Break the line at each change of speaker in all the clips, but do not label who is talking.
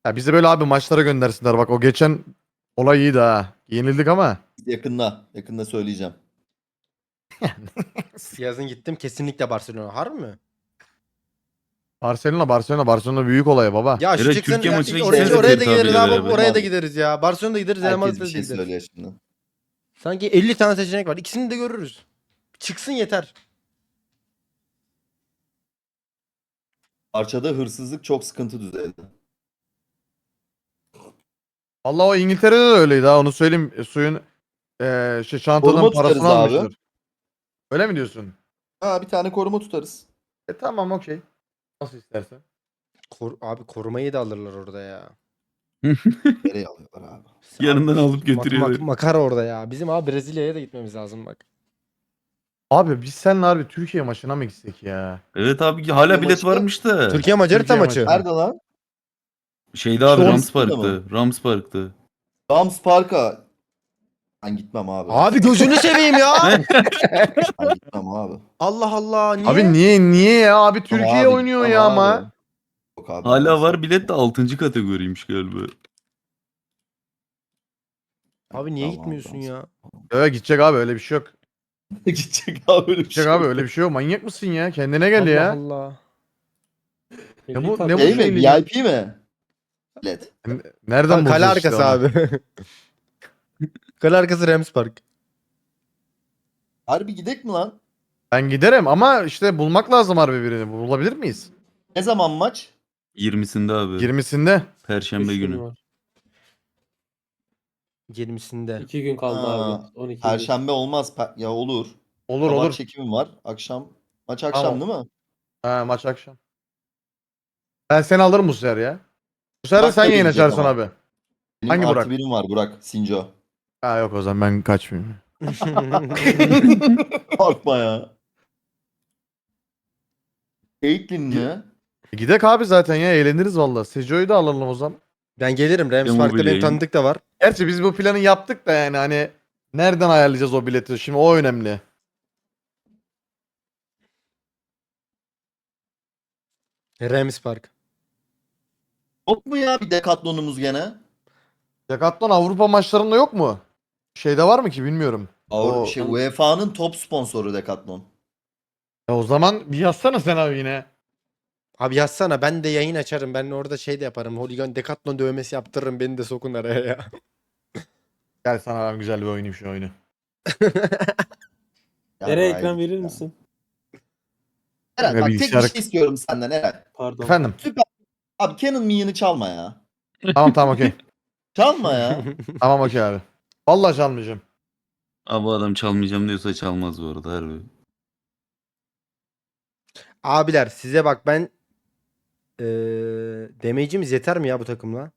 Ya bizi böyle abi maçlara göndersinler. Bak o geçen olay iyiydi ha. Yenildik ama.
Yakında söyleyeceğim.
Yazın gittim kesinlikle Barcelona. Harbi mi?
Barcelona büyük olay baba.
Ya şu
Evet,
çıksın
Türkiye
ya,
maçına
oraya,
gitsenize
oraya da
Ferit
gideriz
abiyle
abi.
beraber.
Oraya da gideriz ya. Barcelona'da gideriz. Real
Herkes
Madrid'e
bir
de
şey
gideriz.
söylüyor şimdi.
Sanki 50 tane seçenek var. İkisini de görürüz. Çıksın yeter.
Parçada hırsızlık çok sıkıntı düzeyde.
Allah o İngiltere'de de öyleydi ha onu söyleyeyim. Suyun çantanın
Koruma
parasını
tutarız abi.
almışlar. Öyle mi diyorsun?
Ha, bir tane koruma tutarız.
Tamam okey. Nasıl istersen.
Abi korumayı da alırlar orada ya.
Nereye alıyorlar abi?
Yanından alıp götürüyorlar.
Makara orada ya. Bizim abi Brezilya'ya da gitmemiz lazım bak.
Abi biz seninle harbi Türkiye maçına mı gitsek ya?
Evet abi hala bilet
maçı da-
varmış da.
Türkiye Macarita
Türkiye
maçı.
maçı.
Nerede lan?
Şeyde abi
İşte
Rams
orası da
Park'ta. Rams Park'ta.
Rams Park'a. Ben gitmem abi.
Abi gözünü seveyim ya.
Ben gitmem abi.
Allah Allah. Niye?
Abi niye ya? Abi Türkiye
Abi,
oynuyor
gitmem
ya
abi.
ama.
Yok abi.
Hala var bilet de 6. kategoriymiş galiba.
Abi niye
Tamam,
gitmiyorsun
tamam.
ya?
Evet gidecek abi öyle bir şey yok.
Gidecek abi öyle bir
Gidecek
şey.
abi öyle bir şey yok. Manyak mısın ya? Kendine gel
Allah
ya.
Allah.
Ne bu
Şey mi?
şeylik?
VIP mi? Bilet.
Nereden
Kale
bulacağız işte
arkası
onu?
abi. Kale arkası Rams Park.
Harbi gidek mi lan?
Ben giderim ama işte bulmak lazım harbi birini. Bulabilir miyiz?
Ne zaman maç?
20'sinde abi.
20'sinde.
Perşembe günü.
20'sinde.
2 gün kaldı
Ha,
abi. 12 gün.
Perşembe olmaz. Ya olur.
Olur
Sabah
olur.
çekimim var. Akşam. Maç akşam değil mi?
Ha maç akşam. Ben seni alırım bu sefer ya. Bu sefer de
Burak
sen
da
yayın
gelecek
açarsın
ama.
abi.
Benim
Hangi
artı
Burak?
birim var Burak. Sinco.
Ha yok o zaman ben kaçmayayım.
Korkma ya. Caitlyn mi?
Gidek abi zaten ya eğleniriz valla. Sejo'yu da alalım o zaman.
Ben gelirim. Rams
Demo
Park'ta benim
bileyim.
tanıdık da var.
Gerçi biz bu planı yaptık da yani hani nereden ayarlayacağız o bileti? Şimdi o önemli.
Rams Park.
Yok mu ya bir Decathlon'umuz gene?
Decathlon Avrupa maçlarında yok mu? Şeyde var mı ki bilmiyorum. O-
UEFA'nın top sponsoru Decathlon.
O zaman bir yazsana sen abi yine.
Abi yazsana ben de yayın açarım. Ben orada şey de yaparım. Holigan Decathlon dövmesi yaptırırım. Beni de sokun araya ya.
Gel sana ben güzel bir oynayayım şu oyunu.
Ya
Nereye
vay
ekran
be.
verir misin?
Eren
Ya
bak tek bir
bilgisayar-
şey istiyorum senden Eren.
Pardon.
Efendim.
Süper. Abi Canon Minion'ı çalma ya.
Tamam okey.
Çalma ya.
Tamam okey abi. Vallahi çalmayacağım.
Abi adam çalmayacağım diyorsa çalmaz bu arada harbi.
Abiler size bak ben damage'imiz yeter mi ya bu takımla?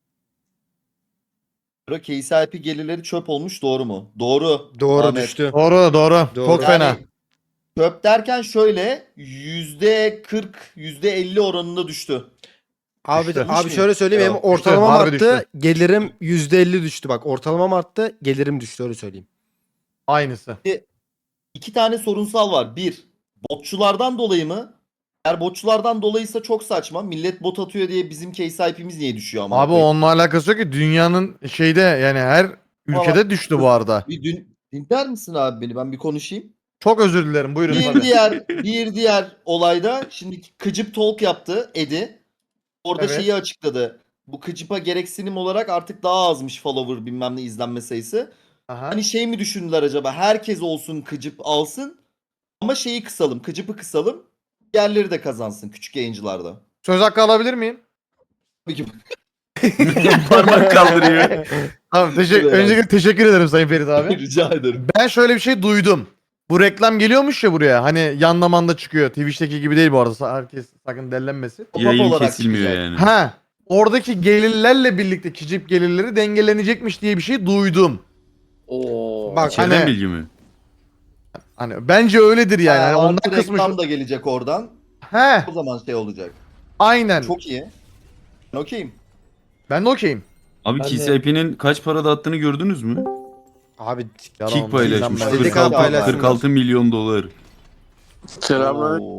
Bro KCIP gelirleri çöp olmuş doğru mu? Doğru.
Doğru
Ahmet.
düştü.
Doğru doğru.
Doğru.
Çok fena.
Yani çöp derken şöyle %40, %50 oranında düştü.
Abi
Düştü.
abi şöyle söyleyeyim
Ya,
benim ortalamam
harbi
arttı.
düştü.
Gelirim %50 düştü bak. Ortalamam arttı. Gelirim düştü öyle söyleyeyim.
Aynısı.
İki tane sorunsal var. Bir, botçulardan dolayı mı? Eğer botçulardan dolayıysa çok saçma. Millet bot atıyor diye bizim KCIP'miz niye düşüyor ama?
Abi onunla alakası yok ki dünyanın şeyde yani her ülkede düştü bu arada.
Bir dinler misin abi beni? Ben bir konuşayım.
Çok özür dilerim buyurun
Bir
tabii.
diğer olayda şimdi Kıcıp Talk yaptı Edi. Orada
Evet.
şeyi açıkladı. Bu Kıcıp'a gereksinim olarak artık daha azmış follower bilmem ne izlenme sayısı.
Aha.
Hani şey mi düşündüler acaba? Herkes olsun Kıcıp alsın. Ama şeyi kısalım. Kıcıp'ı kısalım. Diğerleri de kazansın küçük yayıncılarda.
Söz hakkı alabilir miyim?
Tabii ki.
Parmak kaldırıyor.
Tamam
Evet.
öncelikle teşekkür ederim Sayın Ferit abi.
Rica ederim.
Ben şöyle bir şey duydum. Bu reklam geliyormuş ya buraya. Hani yanlamanda çıkıyor. Twitch'teki gibi değil bu arada. Herkes sakın dellenmesin.
Pop-up
Yayın
olarak
kesilmiyor
çıkacak.
yani.
Ha. Oradaki gelirlerle birlikte kicip gelirleri dengelenecekmiş diye bir şey duydum.
Oo.
Bak,
İçeriden
hani-
bilgi mi?
Hani bence öyledir yani. Hani ondan
Artı
kısmış.
reklam da gelecek oradan.
He.
O zaman şey olacak.
Aynen.
Çok iyi. Ben okeyim.
Ben de okeyim.
Abi
Ben de-
KCIP'nin kaç parada attığını gördünüz mü?
Abi
Kick paylaşmış.
Ben-
Dedik abi
46,
paylaşsınlar.
46 milyon dolar.
Selamünaleyküm.
Oo.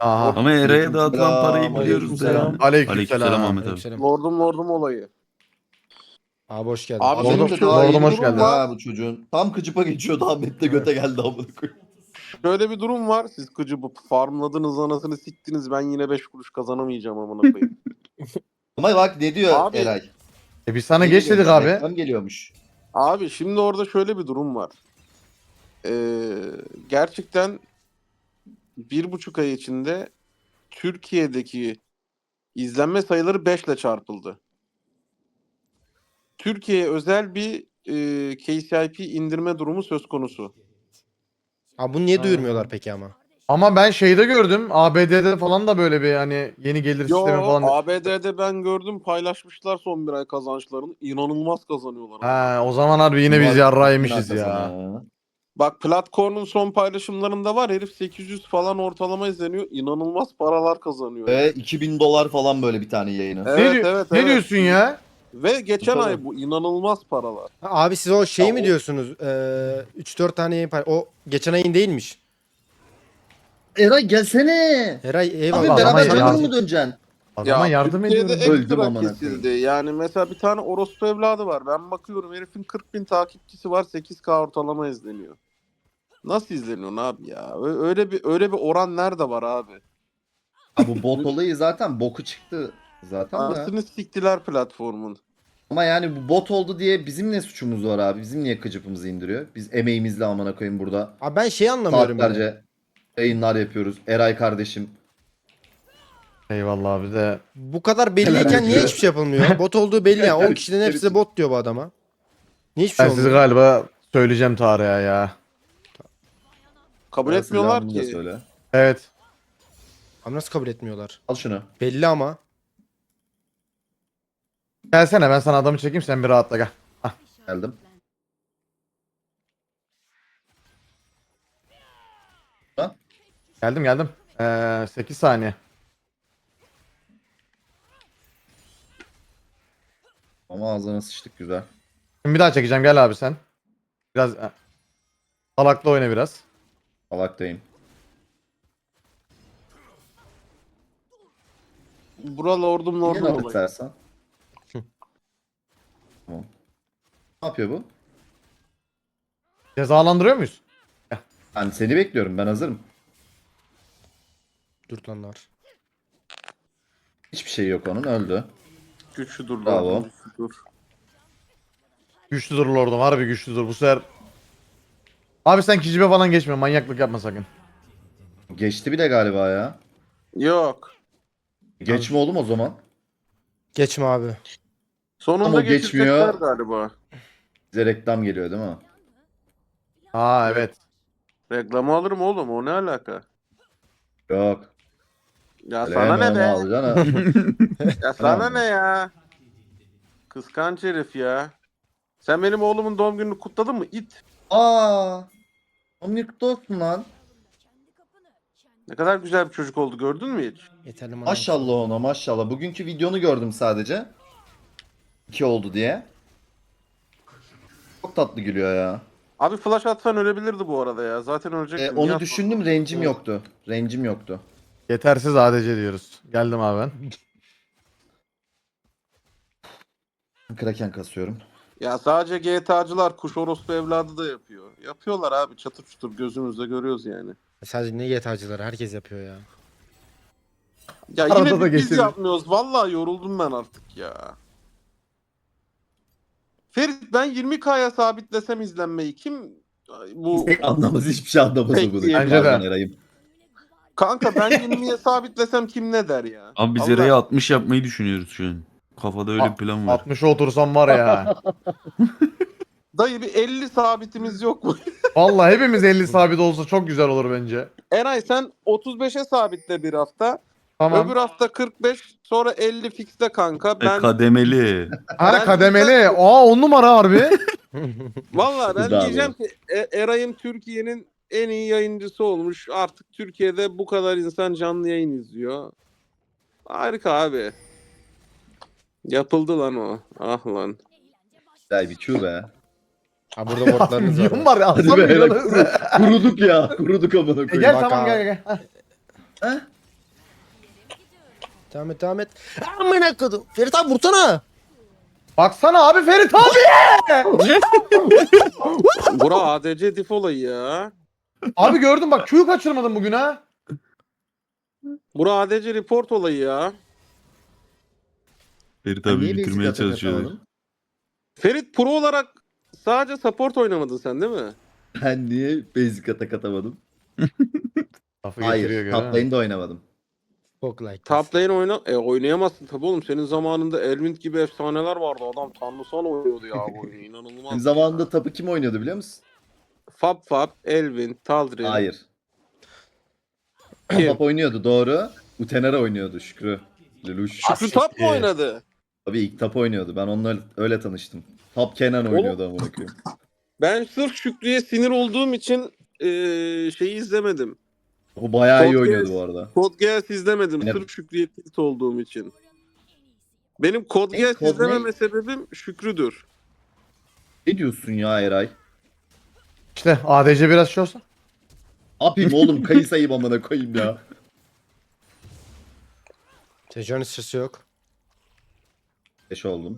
Aha.
Ama Eray'a dağıtılan parayı
Selam,
biliyoruz da ya.
aleykümselam.
Aleykümselam.
Aleykümselam Ahmet abi.
Aleykümselam.
Lordum olayı.
Abi hoş geldin.
Abi
Lordum-
benim şöyle
Lordum
bir
hoş
durum
geldin.
var.
Ha bu çocuğun. Tam kıcıpa geçiyordu Ahmet'le göte geldi amına koyayım.
Şöyle bir durum var. Siz kıcı bu farmladınız anasını siktiniz. Ben yine 5 kuruş kazanamayacağım amına koyayım.
Ama bak ne diyor
Abi,
Eray.
Biz sana
Ne
geç dedik
geliyormuş,
abi.
reklam geliyormuş.
Abi şimdi orada şöyle bir durum var. Gerçekten 1,5 ay içinde Türkiye'deki izlenme sayıları 5 ile çarpıldı. Türkiye'ye özel bir KCIP indirme durumu söz konusu.
Abi bunu niye duyurmuyorlar peki ama?
Ama ben şeyde gördüm. ABD'de falan da böyle bir hani yeni gelir
Yo,
sistemi falan.
ABD'de ben gördüm paylaşmışlar son bir ay kazançlarını. İnanılmaz kazanıyorlar.
Ha, o zaman harbi yine biz
Var,
yarrağı yemişiz
arkasına
ya.
Bak Platkorn'un son paylaşımlarında var. Herif 800 falan ortalama izleniyor. İnanılmaz paralar kazanıyor.
Ve $2000 falan böyle bir tane yayını.
Evet,
Ne,
evet,
ne
evet.
diyorsun ya?
Ve geçen
Tabii.
ay bu inanılmaz paralar.
Ha, abi siz o şey
Ya
mi
o-
diyorsunuz? 3-4 tane yayın o geçen ayın değilmiş.
Eray gelsene.
Eray
Abi
eyvallah.
Adama
beraber
yardım-
Jungle mı dönceksin?
Adama yardım
Türkiye'de
ediyorum.
Öldüm
ekstra
amına
kesildi. Yani mesela bir tane orospu evladı var. Ben bakıyorum herifin 40.000 takipçisi var. 8K ortalama izleniyor. Nasıl izleniyor abi ya? Öyle bir oran nerede var abi?
Ha, bu bot olayı zaten boku çıktı zaten da.
Anasını siktiler platformun.
Ama yani bu bot oldu diye bizim ne suçumuz var abi? Bizim niye kıcıpımızı indiriyor? Biz emeğimizle amına koyayım burada.
Abi ben şey anlamıyorum. Yani.
Saatlerce yayınlar yapıyoruz. Eray kardeşim.
Eyvallah abi de.
Bu kadar belliyken niye hiçbir şey yapılmıyor? Bot olduğu belli ya. 10 kişiden hepsi de bot diyor bu adama. Niye hiçbir şey
Ben sizi
olmuyor?
galiba söyleyeceğim tarihe ya.
Kabul
Bana
etmiyorlar
silahını da
ki.
söyle.
Evet.
Abi nasıl kabul etmiyorlar?
Al şunu.
Belli ama.
Gelsene ben sana adamı çekeyim sen bir rahatla gel.
Geldim.
Geldim. 8 saniye.
Ama ağzına sıçtık güzel.
Şimdi bir daha çekeceğim gel abi sen. Biraz salaklı oyna biraz.
Salaktayım.
Buralı ordum
Niye
lordum
laf
olayı.
edersen? Tamam. Ne yapıyor bu?
Cezalandırıyor muyuz?
Yani seni bekliyorum, ben hazırım.
Dürtlanlar.
Hiçbir şey yok onun, öldü.
Güçlüdür
Bravo.
lordum. Güçlüdür.
Güçlüdür lordum harbi güçlüdür bu sefer. Abi sen kicibe falan geçme manyaklık yapma sakın.
Geçti bile galiba ya.
Yok.
Geçme oğlum o zaman.
Geçme abi.
Sonunda
Ama
geçecekler
geçmiyor.
galiba.
Bize reklam geliyor değil mi?
Aa evet.
Reklamı alırım oğlum, o ne alaka?
Yok.
Ya
Öyle
sana ne
hemen
be?
alacaksın ha.
Ya sana
Tamam.
ne ya? Kıskanç herif ya. Sen benim oğlumun doğum gününü kutladın mı? İt.
Aa. Onun kutlu olsun lan.
Ne kadar güzel bir çocuk oldu, gördün mü hiç?
Yeterli mi?
Maşallah ona maşallah. Bugünkü videonu gördüm sadece. 2 oldu diye. Çok tatlı gülüyor ya.
Abi flash atsan ölebilirdi bu arada ya. Zaten ölecektim.
Onu
Niye
düşündüm,
atmadın?
rencim yoktu. Rencim yoktu.
Yetersiz ADC diyoruz. Geldim abi ben.
Kraken kasıyorum.
Ya sadece GTA'cılar kuş orospu evladı da yapıyor. Yapıyorlar abi, çatır çutur gözümüzde görüyoruz yani.
Sadece ne GTA'cıları herkes yapıyor ya.
Ya
Arada
yine
da
biz
geçelim.
yapmıyoruz. Vallahi yoruldum ben artık ya. Ferit, ben 20K'ya sabitlesem izlenmeyi kim bu
Anlamaz, hiçbir şey anlamaz
Pek
o bunu.
değil.
Bence de.
Pardon Eray'ım.
kanka ben 20'ye sabitlesem kim ne der ya?
Abi biz
Allah-
Eray'ı 60 yapmayı düşünüyoruz şu an. Kafada öyle bir plan var.
60'a otursam var ya.
Dayı bir 50 sabitimiz yok mu?
Vallahi hepimiz 50 sabit olsa çok güzel olur bence.
Eray sen 35'e sabitle bir hafta.
Tamam.
Öbür hafta 45, sonra 50 fixte kanka. Ben
Kademeli.
Ha
ben
kademeli.
diyeceğim
Aa 10 numara harbi.
vallahi ben
Bravo.
diyeceğim ki Eray'ım Türkiye'nin en iyi yayıncısı olmuş. Artık Türkiye'de bu kadar insan canlı yayın izliyor. Harika abi. Yapıldı lan o. Ah lan.
Güzel bir Q be.
Ha burada botlarınız var.
Milyon var ya.
Hadi
Atsam
be Eray,
milyonu.
kuruduk ya. Kuruduk amına
E
koyayım.
gel
Bak
tamam
abi.
gel.
Ha?
Devam et devam et. Amına kodum. Ferit abi vursana.
Baksana abi Ferit abi.
Bura ADC diff olayı ya.
Abi gördüm bak Q'yu kaçırmadım bugün ha.
Bura ADC report olayı ya.
Ferit
Sen
abi
niye
bitirmeye
basic atak
çalışıyor.
atamadın?
Ferit pro olarak sadece support oynamadın sen değil mi?
Ben niye basic atak atamadım?
Lafı getiriyor
Hayır.
görüyor
Top
musun?
lane'de oynamadım.
Çok like.
Top lane oynayamazsın tabii oğlum. Senin zamanında Elwind gibi efsaneler vardı. Adam tanrısal oynuyordu ya bu oyunu. İnanılmaz.
Benim zamanında tapı kim oynuyordu biliyor musun?
Fab, Elwind, Tal'Darim.
Hayır.
Kim?
Top oynuyordu doğru. Utenara oynuyordu Şükrü. Lelouch.
Şükrü Tap mı oynadı?
Tabii ilk top oynuyordu. Ben onunla öyle tanıştım. Top Kenan oynuyordu amına koyayım.
Ben sırf Şükrü'ye sinir olduğum için şeyi izlemedim.
O bayağı iyi
Code
oynuyordu
Geass-
bu arada.
Code Geass izlemedim.
Yine-
Sırf Şükrü'ye tilt olduğum için. Benim Code
Ne,
Geass
Code
izlememe
ne?
sebebim Şükrü'dür.
Ne diyorsun ya Eray?
İşte ADC biraz şey olsa.
Yapayım oğlum kayısayım amına koyayım ya.
Tejon sesi yok.
5 oldum.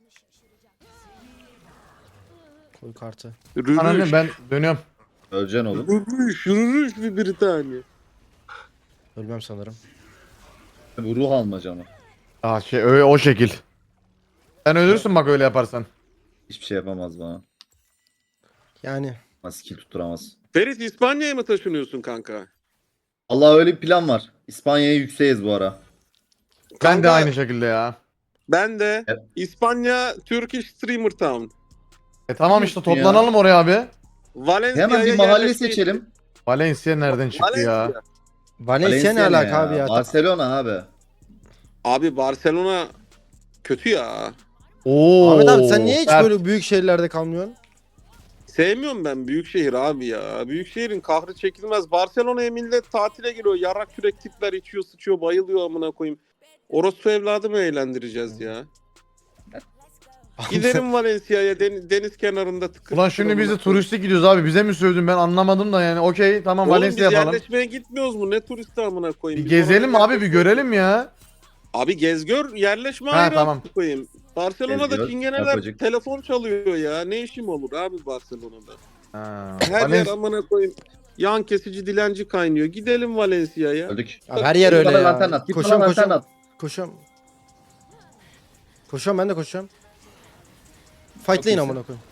Koy kartı.
Ananı
Rürüş.
ben dönüyorum.
Öleceksin oğlum.
Rürüş bir Britanya.
Ölmem sanırım.
Bu ruh almaca mı?
Aa şey öyle o şekil. Sen ölürsün bak öyle yaparsan.
Hiçbir şey yapamaz bana.
Yani.
Ama skill tutturamaz.
Ferit İspanya'ya mı taşınıyorsun kanka?
Allah öyle bir plan var. İspanya'ya yükseğiz bu ara.
Ben de
Kanka,
aynı şekilde ya.
Ben de
Evet.
İspanya Turkish Streamer Town.
Tamam işte
Ya.
toplanalım oraya abi.
Valencia'ya
Hemen bir mahalle
yerleşmeyi-
seçelim.
Valencia nereden çıktı ya?
Valencia.
Valencia ne alaka abi ya?
Barcelona abi.
Abi Barcelona kötü ya.
Oo.
Ahmet abi sen niye hiç
Sert.
böyle büyük şehirlerde kalmıyorsun?
Sevmiyorum ben büyük şehir abi ya. Büyük şehrin kahrı çekilmez. Barcelona'ya millet tatile geliyor. Yarrak kürek tipler içiyor, sıçıyor, bayılıyor amına koyayım. Orospu evladı mı eğlendireceğiz ya? Gidelim Valencia'ya deniz kenarında tıkır.
Ulan
tıkır
şimdi biz de
amına koyayım.
turistik gidiyoruz abi. Bize mi sövdün ben anlamadım da yani. Okey tamam
Oğlum
Valencia
biz
yapalım.
yerleşmeye gitmiyoruz mu? Ne turisti amına koyayım?
Bir
Biz
gezelim
orada
abi bir
yerleşmiyoruz.
görelim ya.
Abi gez gör yerleşme
Ha,
ayrı
tamam.
amına koyayım. Barcelona'da
Gez gör,
çingeneler
yapacak.
telefon çalıyor ya. Ne işim olur abi Barcelona'da?
Ha,
Her yer
Valencia-
amına koyayım. Yan kesici dilenci kaynıyor. Gidelim Valencia'ya.
Öldük.
Abi her yer
Git
öyle
bana
ya.
lantern at, git bana
Koşuyorum
lantern
koşuyorum.
at.
Koşuyorum. Koşuyorum ben de koşuyorum. Fightlayın
iyisin.
amına koyayım.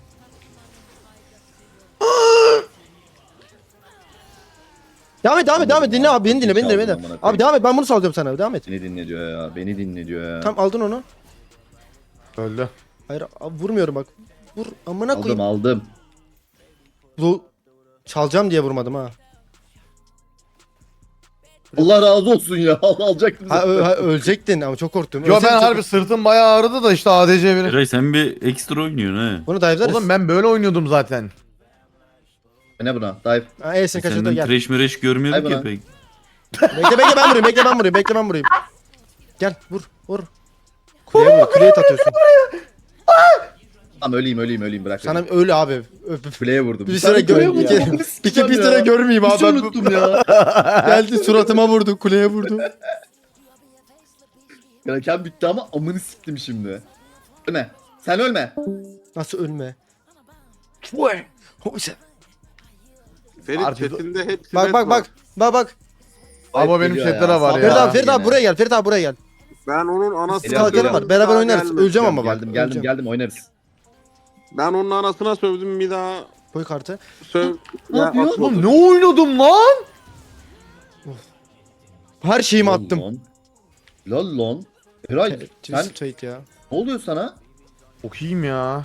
Devam et devam et devam et dinle abi beni dinle beni dinle beni dinle. Abi devam et ben bunu salacağım sana devam et.
Beni dinle diyor ya. Beni dinle diyor ya.
Tamam aldın onu.
Öldü.
Hayır abi, vurmuyorum bak. Vur amına
Aldım
koyayım.
aldım.
Çalacağım diye vurmadım ha.
Allah razı olsun ya. Alacaktım.
Ölecektin ama çok korktum.
Yo
Ölseydin
ben
çok-
harbi sırtım bayağı ağrıdı da işte ADC biri.
Eray sen bir ekstra oynuyorsun ha.
Bunu dive'larız.
Oğlum ben böyle oynuyordum zaten.
Ne buna? Dive.
Ha E'sin kaçırdı
Senden
gel.
trash mereş görmüyorduk
Ay
ya
bana.
pek.
Bekle bekle ben vurayım bekle ben vurayım bekle ben vurayım. Gel vur vur. Kuleye vur kuleye atıyorsun.
Tamam öleyim bırak.
Sana
beni.
öyle abi.
Kuleye vurdum.
Bir süre
kuleye
gör.
vurdum.
Bir süre görmeyeyim abi.
Hiç unuttum ya.
Geldi suratıma vurdu kuleye vurdu.
Kraken bitti ama amını siktim şimdi. Ölme. Sen ölme.
Nasıl ölme?
Ferit
Artık-
chatinde hepsi
Bak
net
bak
var.
bak.
Ama benim
Geliyor
chatlere
ya.
var
Ferit
ya.
abi Ferit abi
Yine.
buraya gel. Ferit abi buraya gel.
Ben onun anasını
Geliyorum,
Kalkanı
geliyorum.
var. Beraber
Daha
oynarız.
gelmedi.
Öleceğim ama bak.
Geldim geldim oynarız.
Ben onun anasına sövdüm bir daha
Koy kartı.
söv.
Ne yapıyor?
atmadım.
Oğlum ne oynadım lan?
Her şeyimi attım.
Lol lan. Eray sen
Twist ya.
ne oluyor sana?
Çok iyiyim ya.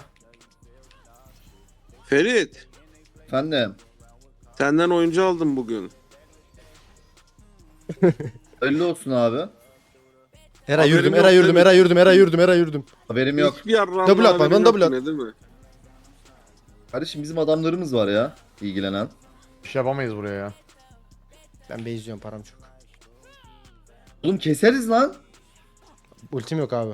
Ferit
Efendim.
senden oyuncu aldım bugün.
Öyle olsun abi.
Eray
Haberim
yürüdüm,
yok
Eray
değil
yürüdüm,
mi?
Eray yürüdüm, Eray yürüdüm, Eray yürüdüm.
Haberim yok.
Hiçbir yarrağımda
Double atma,
haberin
ben double
yok
at.
yine, değil mi?
Kardeşim bizim adamlarımız var ya. İlgilenen.
Bir şey yapamayız buraya ya.
Ben base izliyorum param çok.
Oğlum keseriz lan.
Ultim yok abi.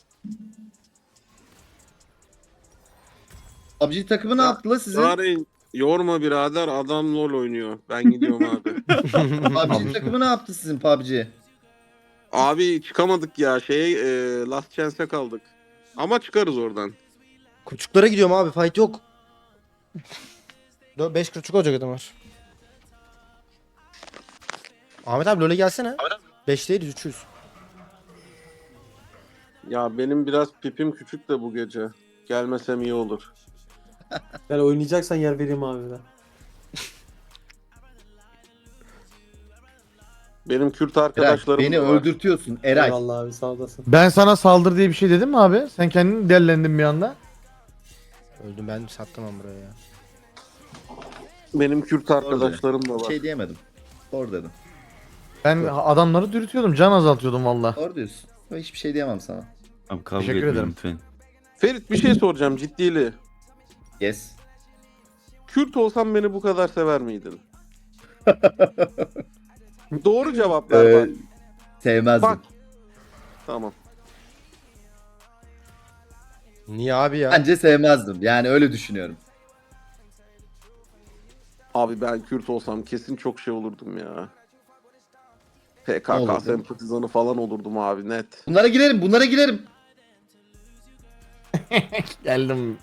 PUBG takımı ne yaptı la sizin?
Yareyn Yorma birader, adam LoL oynuyor. Ben gidiyorum abi.
PUBG takımı ne yaptı sizin PUBG?
Abi çıkamadık ya, Last Chance'e kaldık. Ama çıkarız oradan.
Kurçuklara gidiyorum abi, fight yok. 5 kurçuk olacak adamlar. Ahmet abi LoL'e gelsene. 5 değil 300.
Ya benim biraz pipim küçük de bu gece. Gelmesem iyi olur.
Yani oynayacaksan yer vereyim abi ben.
Benim Kürt
Eray,
arkadaşlarım
beni
da var.
öldürtüyorsun Eray.
Eyvallah abi sağ olasın.
Ben sana saldır diye bir şey dedim mi abi? Sen kendini dellendin bir anda.
Öldüm, ben sattım ama buraya ya.
Benim Kürt arkadaşlarım da
Bir
var.
şey diyemedim. Doğru dedim.
Ben adamları dürtüyordum, can azaltıyordum valla.
Doğru diyorsun. Hiçbir şey diyemem sana.
Abi kavga
Teşekkür
etmeyin
ederim.
lütfen.
Ferit, bir şey soracağım ciddili.
Yes.
Kürt olsam beni bu kadar sever miydin? Doğru cevap ver bak.
Sevmezdim.
Bak. Tamam.
Niye abi ya?
Bence sevmezdim. Yani öyle düşünüyorum.
Abi ben Kürt olsam kesin çok şey olurdum ya.
Ne
PKK
olurdun?
sempatizanı falan olurdum abi, net.
Bunlara girerim, bunlara girerim.
Geldim.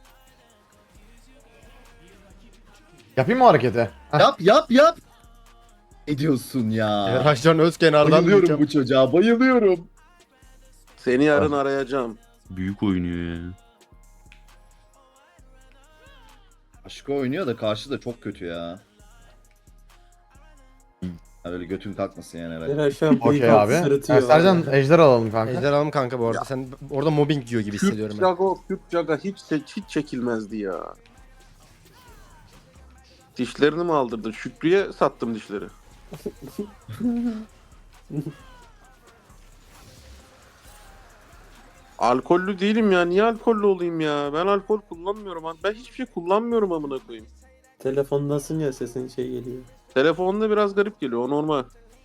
Yapayım mı hareketi? Heh.
Yap. Ne diyorsun ya?
Raşcan Özkenar'dan
Bayılıyorum
diyeceğim.
bu çocuğa, bayılıyorum.
Seni yarın arayacağım.
Büyük oynuyor ya.
Aşko oynuyor da karşı da çok kötü ya. Yani öyle götün kalkmasın yani Eray.
Eray şu an
Okey
bıyık altı
abi.
sırıtıyor.
Sercan ejder alalım kanka.
Ejder alalım kanka bu arada. Sen orada mobbing diyor gibi hissediyorum ben.
Kürt Jaga hiç çekilmezdi ya. Dişlerini mi aldırdın? Şükrü'ye sattım dişleri. Alkollü değilim ya. Niye alkollü olayım ya? Ben alkol kullanmıyorum. Ben hiçbir şey kullanmıyorum amına koyayım.
Telefondasın ya sesin şey geliyor.
Telefonda biraz garip geliyor. O normal.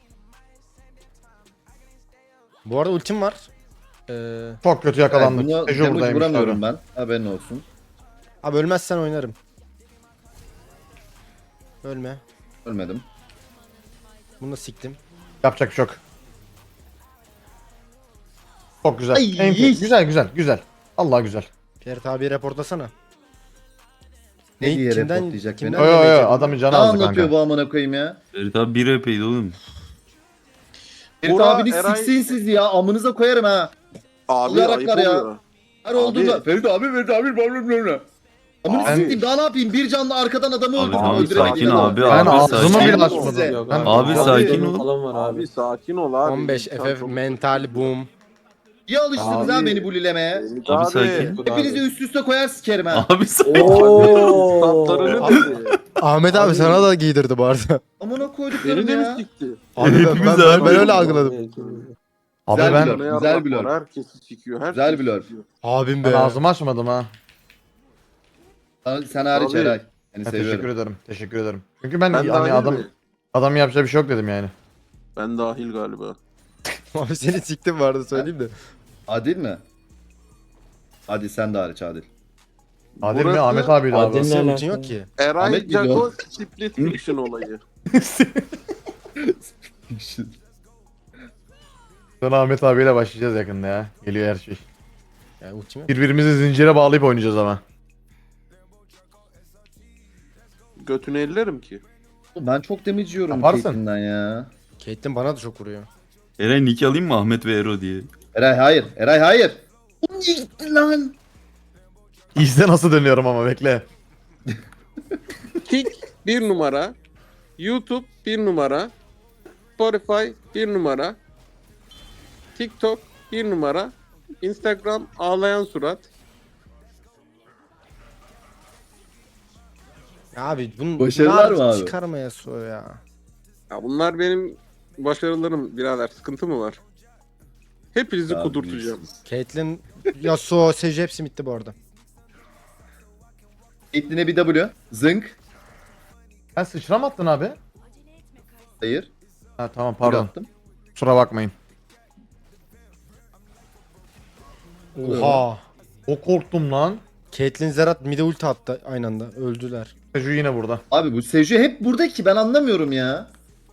Bu arada ultim var.
Çok kötü
Yani
yakalandık.
bunu
Tejo
damage
buradaymış
vuramıyorum
tabii.
ben. Haberin olsun.
Abi ölmezsen oynarım. Ölme.
Ölmedim.
Bunu da siktim.
Yapacak bir şey yok. Çok güzel.
Ay,
Güzel. Allah güzel.
Ferit abi reportlasana.
Ne diye
Kimden-
reportlayacak beni?
kimden-
Yo yo yo
demeyecek
adamın canı
Ne
azdı
anlatıyor
kanka.
bu amına koyayım ya?
Ferit abi bir epeydi oğlum.
Ferit
Bora,
abini
Eray-
siksin siz ya. Amınıza koyarım ha.
Abi
Olarak
ayıp
var ya.
oluyor.
Her olduğunda. Ferit abi. Amını
Abi-
sikeyim daha ne yapayım? Bir canlı arkadan adamı
Abi,
öldürdüm.
abi,
öldüremedim
sakin
adamı.
abi,
Ben
abi,
ağzımı
sakin
bile
ol.
açmadım.
Size.
Yok
Ben-
Abi, sakin
canım
ol.
falan var abi.
Abi sakin ol abi.
15
İnsan
FF
çok-
mental boom.
İyi alıştınız
Abi-
ha beni bulilemeye.
Abi sakin.
Hepinizi üst üste koyar sikerim ha.
Abi sakin.
Ooo.
Statlarını dedi.
Ahmet abi sana da giydirdi bu arada.
Amına koyduklarım
Beni de mi
ya.
sikti?
Abi ben öyle algıladım.
Abi
Güzel
ben,
blur.
Ne
Güzel
yarrak
blur.
var, herkesi sikiyor.
Güzel
herkesi
blur.
sikiyor.
Abim
ben
be.
ağzımı açmadım ha.
Sen hariç
Abi-
Eray. Seni
Ha, teşekkür
seviyorum.
ederim. Teşekkür ederim. Çünkü ben
Ben
hani
dahil mi?
adam yapacağı bir şey yok dedim yani.
Ben dahil galiba.
Abi seni siktim vardı söyleyeyim de.
Adil mi? Hadi sen de hariç Adil.
Adil mi?
Burası-
Ahmet abiydi abi.
Adil-
Senin
Ne
ultin yok
alaka?
ki.
Eray
Ahmet
Jago
biliyor.
split fiction olayı.
Sonra Ahmet abiyle başlayacağız yakında ya. Geliyor her şey.
Yani ultim yok.
Birbirimizi zincire bağlayıp oynayacağız ama.
Götünü ellerim ki.
Ben çok damage yiyorum
Yaparsın.
Caitlyn'den ya.
Caitlyn bana da çok vuruyor.
Eren nick alayım mı Ahmet ve Ero diye?
Eray hayır. Eray hayır. O niye gitti lan?
İzle nasıl dönüyorum ama bekle.
Kick 1 numara. YouTube 1 numara. Spotify 1 numara. TikTok 1 numara. Instagram ağlayan surat.
Ya abi bunu
Başarılar mı abi?
çıkarmaya so ya.
Ya bunlar benim başarılarım birader. Sıkıntı mı var? Hepinizi
Abi,
kudurtacağım.
Caitlyn, Yasuo, Sage hepsi bitti bu arada.
Caitlyn'e bir W. Zınk.
Sen sıçra mı attın abi?
Hayır.
Ha tamam
Pardon.
pardon.
Attım.
Kusura bakmayın.
Oha.
O korktum lan.
Caitlyn Zerat mide ulti attı aynı anda. Öldüler.
Seju yine burada.
Abi bu Seju hep burada ki ben anlamıyorum ya.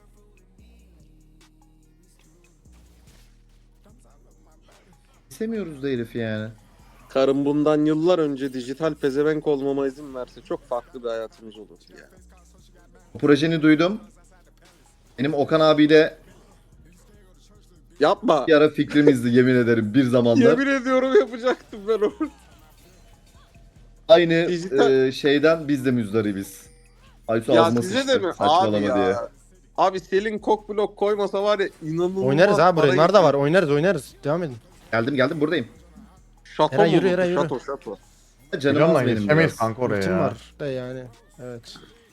İstemiyoruz da herifi yani.
Karım bundan yıllar önce dijital pezevenk olmama izin verse çok farklı bir hayatımız olurdu ya.
Bu projeni duydum. Benim Okan abiyle
Yapma.
bir ara fikrimizdi yemin ederim bir zamanlar.
Yemin ediyorum yapacaktım ben onu.
Aynı
Dijital-
şeyden biz de müzdaribiz. Aysu
Ya
ağzıma
size de
sıçtı
mi? Abi
saçmalama
ya.
diye.
Abi Selin kok blok koymasa var ya inanılmaz.
Oynarız abi
para
buraya. Nar da var.
gidiyor.
Oynarız. Devam edin.
Geldim buradayım.
Şato
Eray
mu
yürü,
bu?
Eray yürü.
Şato.
Canım
Biliyorum
az
lan
benim
yetişemeyiz
biraz.
kanka oraya
Ultim
ya.
var da yani. Evet.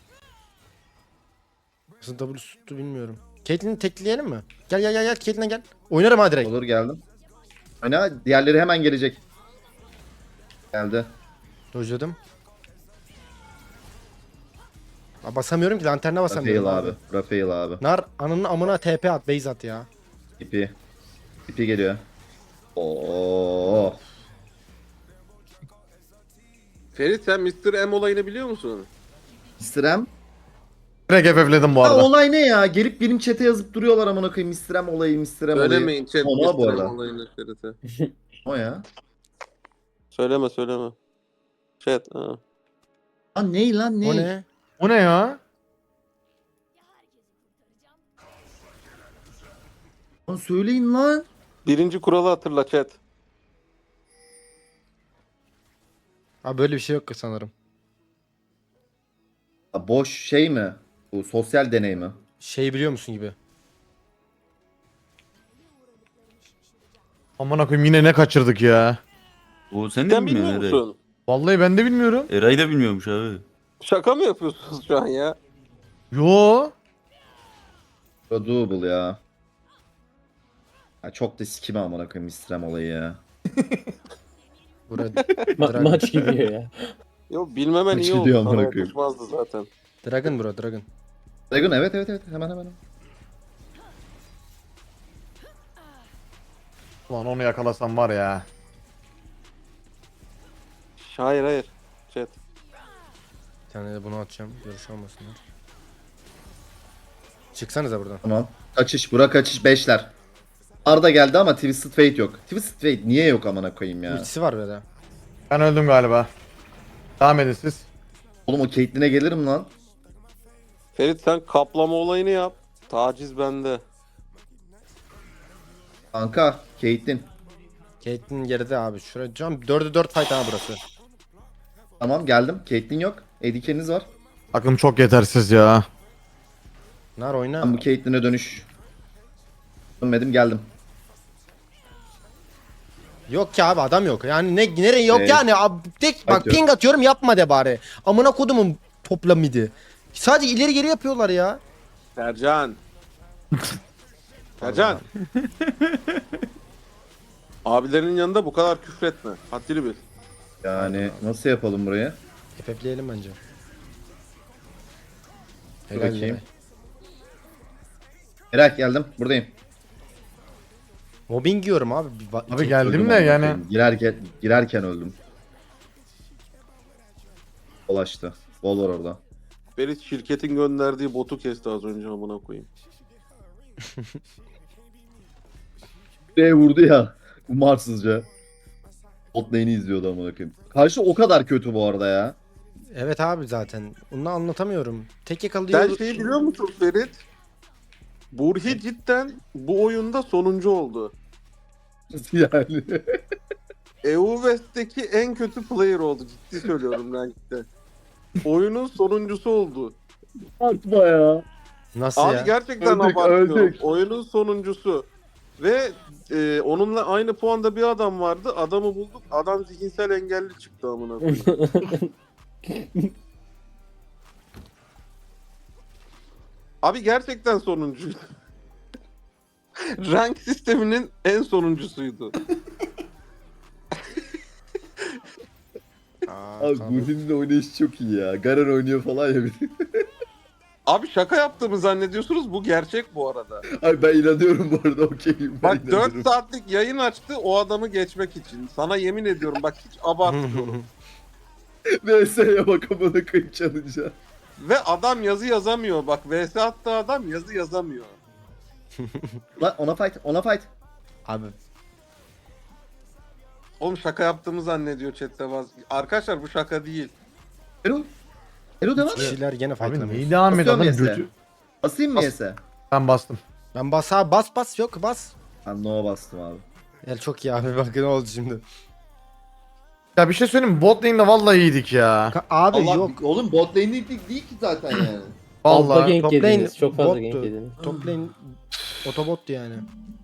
Nasıl W tuttu bilmiyorum. Caitlyn'i tekleyelim mi? Gel Caitlyn'e gel. Oynarım ha direkt.
Olur geldim. Hani diğerleri hemen gelecek. Geldi.
Dojladım. Aa, basamıyorum ki lanterne
Rafael
basamıyorum
abi. Rafael abi.
Nar ananın amına TP at base at ya.
İpi. İpi geliyor. Oo.
Ferit sen Mr. M olayını biliyor musun?
Mr. M.
Direkt FF'ledim bu
Ha,
arada.
olay ne ya? Gelip benim chat'e yazıp duruyorlar amına koyayım. Mr. M olayı, Mr. M olayı.
Söylemeyin chat
Ona bu
Mr.
arada.
M olayını Ferit'e.
O ya.
Söyleme. Chat. Ha.
Lan ney lan ney?
O ne?
O ne ya?
Lan söyleyin lan.
Birinci kuralı hatırla chat.
Abi böyle bir şey yok sanırım.
Ha, boş şey mi? Bu sosyal deney mi?
Şey biliyor musun gibi.
Aman koyayım yine ne kaçırdık ya.
O sen de
Sen
bilmiyorsun
bilmiyor
Eray.
musun?
Vallahi ben de bilmiyorum.
Eray da bilmiyormuş abi.
Şaka mı yapıyorsunuz şu an ya?
Yo.
Doable ya. Ya çok da sikime amına koyayım Mr. M olayı ya.
Burada
Maç gidiyor ya.
Yo bilmemen
Kaç
iyi oldu.
gidiyor
Sana
amına koyayım?
yakışmazdı zaten.
Dragon bro Dragon.
Dragon evet hemen.
Ulan onu yakalasam var ya.
Hayır. Chat.
Bir tane de bunu atacağım. Görüş olmasınlar. Çıksanıza buradan.
Tamam. Kaçış bura kaçış 5'ler. Arda geldi ama Twisted Fate yok. Twisted Fate niye yok amına koyayım ya?
Ultisi var böyle.
Ben öldüm galiba. Devam edin siz.
Oğlum o Caitlyn'e gelirim lan.
Ferit sen kaplama olayını yap. Taciz bende.
Kanka Caitlyn.
Caitlyn geride abi. Şuraya cam 4'e 4 fight ha burası.
Tamam geldim. Caitlyn yok. ADK'niz var.
Takım çok yetersiz ya.
Nar oyna.
Ben bu Caitlyn'e dönüş. Dönmedim geldim.
Yok ki abi adam yok. Yani nereye yok
Evet.
yani. Abi, tek bak
Bak yok.
ping atıyorum yapma de bari. Amına kodumun topla midi. Sadece ileri geri yapıyorlar ya.
Sercan. Sercan. Abilerinin yanında bu kadar küfretme. Haddini bil.
Yani nasıl yapalım burayı?
FF'leyelim bence.
Dur
Helal
bakayım.
Eray.
Merak geldim. Buradayım.
Mobbing yiyorum abi.
Abi geldim
Öldüm
de
amına
yani.
koyayım. Girerken öldüm. Dolaştı. Bol var orada.
Ferit şirketin gönderdiği botu kesti az önce amına koyayım.
Vurdu ya. Umarsızca. Bot lane'i izliyordu amına koyayım. Karşı o kadar kötü bu arada ya.
Evet abi zaten. Onu anlatamıyorum. Tek
Sen
yakalıyor.
şeyi biliyor musun Ferit? Burhi cidden bu oyunda sonuncu oldu.
Nasıl yani?
EU West'teki en kötü player oldu. Ciddi söylüyorum rankte. Oyunun sonuncusu oldu.
Atma ya.
Nasıl
Abi
ya?
gerçekten
Öldük,
abartıyorum.
öldük.
Oyunun sonuncusu. Ve onunla aynı puanda bir adam vardı. Adamı bulduk. Adam zihinsel engelli çıktı amına koyayım. Abi gerçekten sonuncuydu. Rank sisteminin en sonuncusuydu.
Abi Burhin'in de oynayışı çok iyi ya. Garen oynuyor falan ya.
Abi şaka yaptığımı zannediyorsunuz. Bu gerçek bu arada.
Abi ben inanıyorum bu arada okeyim. Ben
Bak 4 saatlik yayın açtı o adamı geçmek için. Sana yemin ediyorum bak hiç abartmıyorum.
VS'ye bak amına koyayım çalınca.
Ve adam yazı yazamıyor. Bak VS attı adam yazı yazamıyor.
Lan ona fight, ona fight.
Abi
Oğlum şaka yaptığımı zannediyor chatte bazı. Arkadaşlar bu şaka değil.
Erol. Erol devam et.
kişiler gene
Abi
fightlamıyor.
neyi devam ediyor adam
Basıyorum
götü.
Basayım mı yese?
Ben bastım.
Ben bas abi bas yok bas.
Ben no bastım abi.
El çok iyi abi bak ne oldu şimdi.
Ya bir şey söyleyeyim mi? Bot lane'de vallahi iyiydik ya.
Abi
Allah,
yok.
Oğlum bot lane değil ki zaten yani.
Fazla
Vallahi.
gank
top
yediniz.
lane
Çok fazla
bottu.
gank yediniz.
Top lane otobottu yani.